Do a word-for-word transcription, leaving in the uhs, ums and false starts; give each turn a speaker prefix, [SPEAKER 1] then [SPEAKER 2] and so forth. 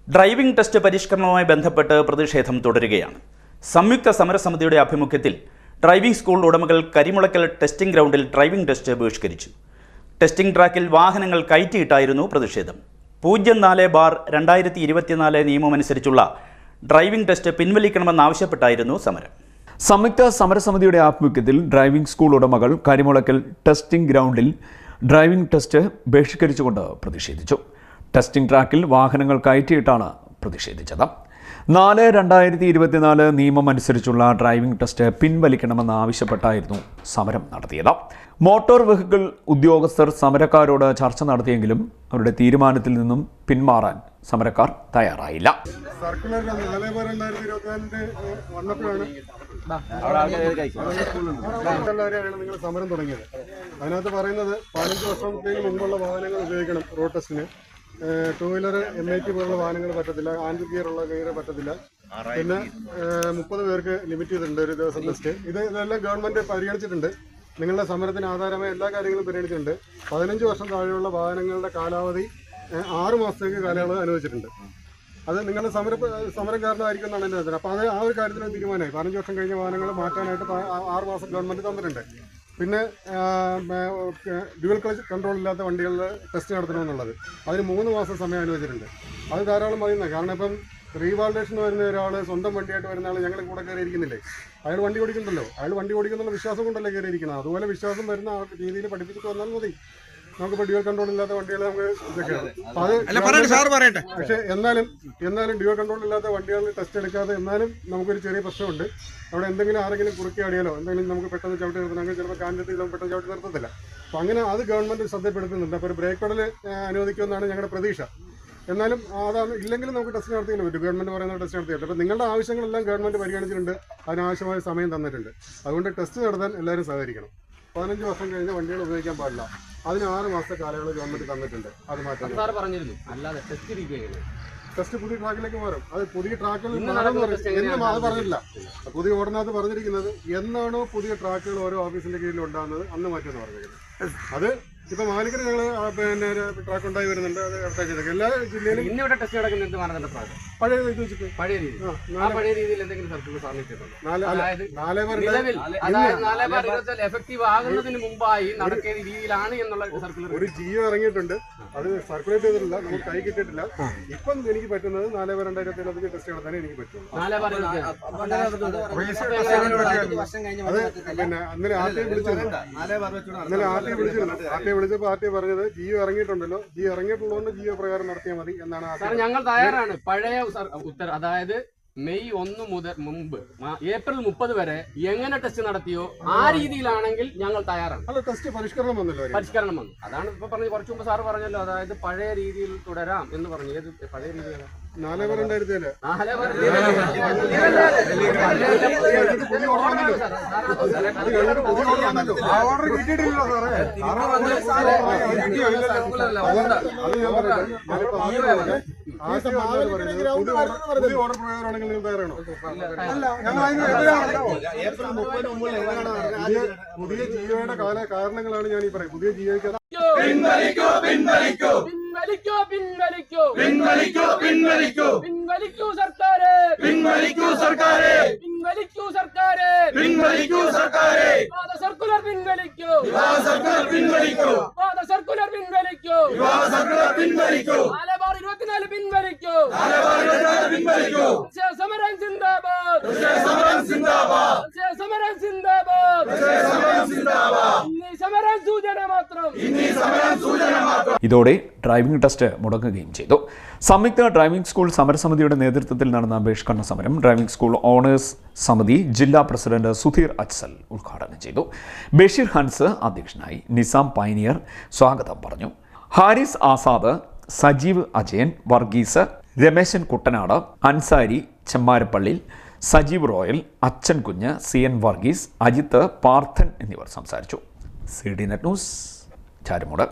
[SPEAKER 1] Driving test പരിഷ്കരണവുമായി ബന്ധപ്പെട്ട് പ്രതിഷേധം തുടരുകയാണ്. സംയുക്ത സമരസമിതിയുടെ ആഭിമുഖ്യത്തിൽ ഡ്രൈവിംഗ് സ്കൂൾ ഉടമകൾ കരിമുളക്കൽ ടെസ്റ്റിംഗ് ഗ്രൗണ്ടിൽ ഡ്രൈവിംഗ് ടെസ്റ്റ് ബഹിഷ്കരിച്ചു. ടെസ്റ്റിംഗ് ട്രാക്കിൽ വാഹനങ്ങൾ കയറ്റിയിട്ടായിരുന്നു പ്രതിഷേധം. പൂജ്യം നാല് ബാർ രണ്ടായിരത്തി ഇരുപത്തിനാല് നിയമമനുസരിച്ചുള്ള ഡ്രൈവിംഗ് ടെസ്റ്റ് പിൻവലിക്കണമെന്നാവശ്യപ്പെട്ടായിരുന്നു സമരം.
[SPEAKER 2] സംയുക്ത സമരസമിതിയുടെ ആഭിമുഖ്യത്തിൽ ഡ്രൈവിംഗ് സ്കൂൾ ഉടമകൾ കരിമുളക്കൽ ടെസ്റ്റിംഗ് ഗ്രൗണ്ടിൽ ഡ്രൈവിംഗ് ടെസ്റ്റ് ബഹിഷ്കരിച്ചുകൊണ്ട് പ്രതിഷേധിച്ചു. ടെസ്റ്റിംഗ് ട്രാക്കിൽ വാഹനങ്ങൾ കയറ്റിയിട്ടാണ് പ്രതിഷേധിച്ചത്. നാല് രണ്ടായിരത്തി ഇരുപത്തിനാല് നിയമം അനുസരിച്ചുള്ള ഡ്രൈവിംഗ് ടെസ്റ്റ് പിൻവലിക്കണമെന്ന് ആവശ്യപ്പെട്ടായിരുന്നു സമരം നടത്തിയത്. മോട്ടോർ വെഹിക്കിൾ ഉദ്യോഗസ്ഥർ സമരക്കാരോട് ചർച്ച നടത്തിയെങ്കിലും അവരുടെ തീരുമാനത്തിൽ നിന്നും പിന്മാറാൻ സമരക്കാർ തയ്യാറായില്ല.
[SPEAKER 3] സർക്കുലർ വന്നപ്പോഴാണ് നിങ്ങൾ സമരം തുടങ്ങിയത്. അതിനകത്ത് പറയുന്നത് പതിനഞ്ച് വർഷത്തിന് മുമ്പുള്ള വാഹനങ്ങൾ ഉപയോഗിക്കണം റോഡ് ടെസ്റ്റിന്. Two wheeler M I T പോലുള്ള വാഹനങ്ങൾ പറ്റത്തില്ല, ആൻഡ് ഗിയർ ഉള്ള ഗിയർ പറ്റത്തില്ല. പിന്നെ മുപ്പത് പേർക്ക് ലിമിറ്റ് ചെയ്തിട്ടുണ്ട് ഒരു ദിവസം ടെസ്റ്റ്. ഇത് ഇതെല്ലാം ഗവൺമെന്റ് പരിഗണിച്ചിട്ടുണ്ട്. നിങ്ങളുടെ സമരത്തിന് ആധാരമായ എല്ലാ കാര്യങ്ങളും പരിഗണിച്ചിട്ടുണ്ട്. പതിനഞ്ച് വർഷം താഴെയുള്ള വാഹനങ്ങളുടെ കാലാവധി ആറ് മാസത്തേക്ക് കാലയളവ് അനുവദിച്ചിട്ടുണ്ട്. അത് നിങ്ങളുടെ സമര സമരം കാരണമായിരിക്കും എന്നാണ് എൻ്റെ അഭിപ്രായം. അപ്പോൾ അത് ആ ഒരു കാര്യത്തിന് തീരുമാനമായി. പതിനഞ്ച് വർഷം കഴിഞ്ഞ വാഹനങ്ങൾ മാറ്റാനായിട്ട് ആറ് മാസം ഗവൺമെന്റ് തന്നിട്ടുണ്ട്. പിന്നെ ഡ്യുവൽ ക്ലച്ച് കൺട്രോൾ ഇല്ലാത്ത വണ്ടികളിൽ ടെസ്റ്റ് നടത്തണമെന്നുള്ളത് അതിന് മൂന്ന് മാസം സമയം അനുവദിച്ചിട്ടുണ്ട്. അത് ധാരാളം മതിയുന്നത്. കാരണം ഇപ്പം റീവാൾഡേഷൻ വരുന്ന ഒരാൾ സ്വന്തം വണ്ടിയായിട്ട് വരുന്ന ആൾ ഞങ്ങൾ കൂടെ കയറിയിരിക്കുന്നില്ലേ? അയാൾ വണ്ടി ഓടിക്കുന്നുണ്ടല്ലോ. അയാൾ വണ്ടി ഓടിക്കുന്നുള്ള വിശ്വാസം കൊണ്ടല്ലേ കയറിയിരിക്കുന്നത്. അതുപോലെ വിശ്വാസം വരുന്ന ആ രീതിയിൽ പഠിപ്പിച്ചിട്ട് വന്നാൽ മതി. നമുക്കിപ്പോൾ ഡ്യുവൽ കൺട്രോൾ ഇല്ലാത്ത വണ്ടികൾ നമുക്ക് ഇതൊക്കെയാണ്. പക്ഷേ എന്നാലും എന്നാലും ഡ്യുവൽ കൺട്രോൾ ഇല്ലാത്ത വണ്ടികളിൽ ടെസ്റ്റ് എടുക്കാതെ എന്നാലും നമുക്കൊരു ചെറിയ പ്രശ്നമുണ്ട്. അവിടെ എന്തെങ്കിലും ആരെങ്കിലും കുറുക്കി ആടിയാലോ എന്തെങ്കിലും നമുക്ക് പെട്ടെന്ന് ചവിട്ടി നിർത്തണമെങ്കിൽ ചിലപ്പോൾ കാഞ്ചത്തിൽ നമുക്ക് പെട്ടെന്ന് ചവിട്ടി നിർത്തത്തില്ല. അപ്പോൾ അങ്ങനെ അത് ഗവൺമെന്റ് ശ്രദ്ധപ്പെടുത്തുന്നുണ്ട്. അപ്പോൾ ഒരു ബ്രേക്ക് പെഡൽ അനുവദിക്കുമെന്നാണ് ഞങ്ങളുടെ പ്രതീക്ഷ. എന്നാലും അതാണ് ഇല്ലെങ്കിലും നമുക്ക് ടെസ്റ്റ് നടത്തിയില്ല പറ്റും. ഗവൺമെന്റ് പറയുന്ന ടെസ്റ്റ് നടത്തിയിട്ട് അപ്പോൾ നിങ്ങളുടെ ആവശ്യങ്ങളെല്ലാം ഗവൺമെന്റ് പരിഗണിച്ചിട്ടുണ്ട്. അതിനാവശ്യമായ സമയം തന്നിട്ടുണ്ട്. അതുകൊണ്ട് ടെസ്റ്റ് നടത്താൻ എല്ലാവരും സഹകരിക്കണം. പതിനഞ്ച് വർഷം കഴിഞ്ഞ വണ്ടികൾ ഉപയോഗിക്കാൻ പാടില്ല. അതിന് ആറ് മാസത്തെ കാലയളവ് ഗവൺമെന്റ് തന്നിട്ടുണ്ട്. അത് മാറ്റാൻ ടെസ്റ്റ് പുതിയ ട്രാക്കിലേക്ക് മാറും. അത് പുതിയ ട്രാക്കുകൾ എന്നും അത് പറഞ്ഞില്ല. പുതിയ ഓർഡിനകത്ത് പറഞ്ഞിരിക്കുന്നത് എന്നാണോ പുതിയ ട്രാക്കുകൾ ഓരോ ഓഫീസിന്റെ കീഴിൽ ഉണ്ടാകുന്നത് അന്ന് മാറ്റുമെന്ന് പറഞ്ഞിരിക്കുന്നത്. അത് ഇപ്പൊ മാലിക്കര് ഞങ്ങൾ പിന്നെ ട്രാക്ക് ഉണ്ടായി വരുന്നുണ്ട്. അത് അടുത്താഴ്ച എല്ലാ ജില്ലയിലും
[SPEAKER 4] ഇന്നിവിടെ ടെസ്റ്റ് നടക്കുന്ന മാനദണ്ഡ ട്രാക്ക്
[SPEAKER 3] പഴയ ഇത് വെച്ചിട്ട്
[SPEAKER 4] പഴയ രീതി പഴയ രീതിയിൽ എന്തെങ്കിലും സർക്കുലർ സാധിച്ചിട്ടുണ്ടോ? എഫക്റ്റീവ് ആകുന്നതിന് മുമ്പായി നടക്കേണ്ട രീതിയിലാണ് എന്നുള്ള സർക്കുലർ
[SPEAKER 3] ഒരു ജിയോ ഇറങ്ങിയിട്ടുണ്ട്. അത് സർക്കുലേറ്റ് ചെയ്തിട്ടില്ല, നമുക്ക് കൈ കിട്ടിയിട്ടില്ല. ഇപ്പം എനിക്ക് പറ്റുന്നത് നാല് ബാർ രണ്ടായിരത്തി ഇരുപത്തി ടെസ്റ്റ് നടത്താനേ എനിക്ക് പറ്റും. അത് പിന്നെ അന്നലെ ആർ ടി വിളിച്ചിരുന്നു. അന്നലെ ആർ ടി വിളിച്ചിരുന്നു. ആർ ടി വിളിച്ചപ്പോൾ ആർ ടി പറഞ്ഞത് ജിയോ ഇറങ്ങിയിട്ടുണ്ടല്ലോ, ജിയോ ഇറങ്ങിയിട്ടുള്ളതുകൊണ്ട് ജിയോ പ്രകാരം നടത്തിയാൽ മതി എന്നാണ്.
[SPEAKER 4] ഞങ്ങൾ തയ്യാറാണ്. പഴയ ഉത്തര അതായത് മെയ് ഒന്ന് മുതൽ മുമ്പ് ഏപ്രിൽ മുപ്പത് വരെ എങ്ങനെ ടെസ്റ്റ് നടത്തിയോ ആ രീതിയിലാണെങ്കിൽ ഞങ്ങൾ തയ്യാറാണ്.
[SPEAKER 3] അല്ല, ടെസ്റ്റ് പരിഷ്കരണം വന്നല്ലോ.
[SPEAKER 4] പരിഷ്കരണം വന്നു. അതാണ് ഇപ്പൊ പറഞ്ഞത്. കുറച്ചു മുമ്പ് സാറ് പറഞ്ഞല്ലോ, അതായത് പഴയ രീതിയിൽ തുടരാം എന്ന് പറഞ്ഞു. ഏത് പഴയ രീതിയിലാണ്?
[SPEAKER 3] നാല് ബാർ രണ്ടായിരത്തി ഏഴ് ഓർഡർ കിട്ടിയിട്ടില്ലല്ലോ സാറേ. പുതിയ ഓർഡർ പ്രകാരമാണെങ്കിൽ നിങ്ങൾ തയ്യാറാണോ? പുതിയ ജിയോയുടെ കാല കാരണങ്ങളാണ് ഞാൻ ഈ പറയുന്നത്. പുതിയ ജിയോയ്ക്ക്
[SPEAKER 5] പിൻവലിക്കൂ പിൻവലിക്കൂ
[SPEAKER 4] പിൻവലിക്കൂ പിൻവലിക്കൂ
[SPEAKER 5] പിൻവലിക്കൂ പിൻവലിക്കൂ
[SPEAKER 4] പിൻവലിക്കൂ സർക്കാരെ
[SPEAKER 5] പിൻവലിക്കൂ സർക്കാരെ
[SPEAKER 4] പിൻവലിക്കൂ സർക്കാരെ
[SPEAKER 5] പിൻവലിക്കൂ സർക്കാരെ
[SPEAKER 4] വാദ സർക്കുലർ പിൻവലിക്കൂ
[SPEAKER 5] വിവാഹ സർക്കുലർ പിൻവലിക്കൂ
[SPEAKER 4] വാദ സർക്കുലർ പിൻവലിക്കൂ
[SPEAKER 5] വിവാഹ സർക്കുലർ പിൻവലിക്കൂ
[SPEAKER 4] നാല് ബാർ ഇരുപത്തിനാല് പിൻവലിക്കൂ
[SPEAKER 5] നാല് ബാർ ഇരുപത്തിനാല് പിൻവലിക്കൂ
[SPEAKER 4] സമരം സിന്ദാബാദ്
[SPEAKER 5] സമരം സിന്ദാബാദ്
[SPEAKER 4] സമരം സിന്ദാബാദ്
[SPEAKER 5] സമരം സിന്ദാബാദ്
[SPEAKER 4] ഇന്നീ സമരം സൂചന മാത്രം
[SPEAKER 5] ഇന്നീ സമരം സൂചന മാത്രം.
[SPEAKER 2] ഇതോടെ ഡ്രൈവിംഗ് ടെസ്റ്റ് മുടങ്ങുകയും ചെയ്തു. സംയുക്ത ഡ്രൈവിംഗ് സ്കൂൾ സമരസമിതിയുടെ നേതൃത്വത്തിൽ നടന്ന ബഹിഷ്കരണ സമരം ഡ്രൈവിംഗ് സ്കൂൾ ഓണേഴ്സ് സമിതി ജില്ലാ പ്രസിഡന്റ് സുധീർ അച്സൽ ഉദ്ഘാടനം ചെയ്തു. ബഷീർ ഹൻസ് അധ്യക്ഷനായി. നിസാം പൈനിയർ സ്വാഗതം പറഞ്ഞു. Haris Azad, Sajeev Ajayan, Varghese, Rameshan Kuttanad, Ansari Chemmarappally, Sajeev Royal, Achankunju, C N Varghese, Ajith, Parthan എന്നിവർ സംസാരിച്ചു. C D net news Charummood.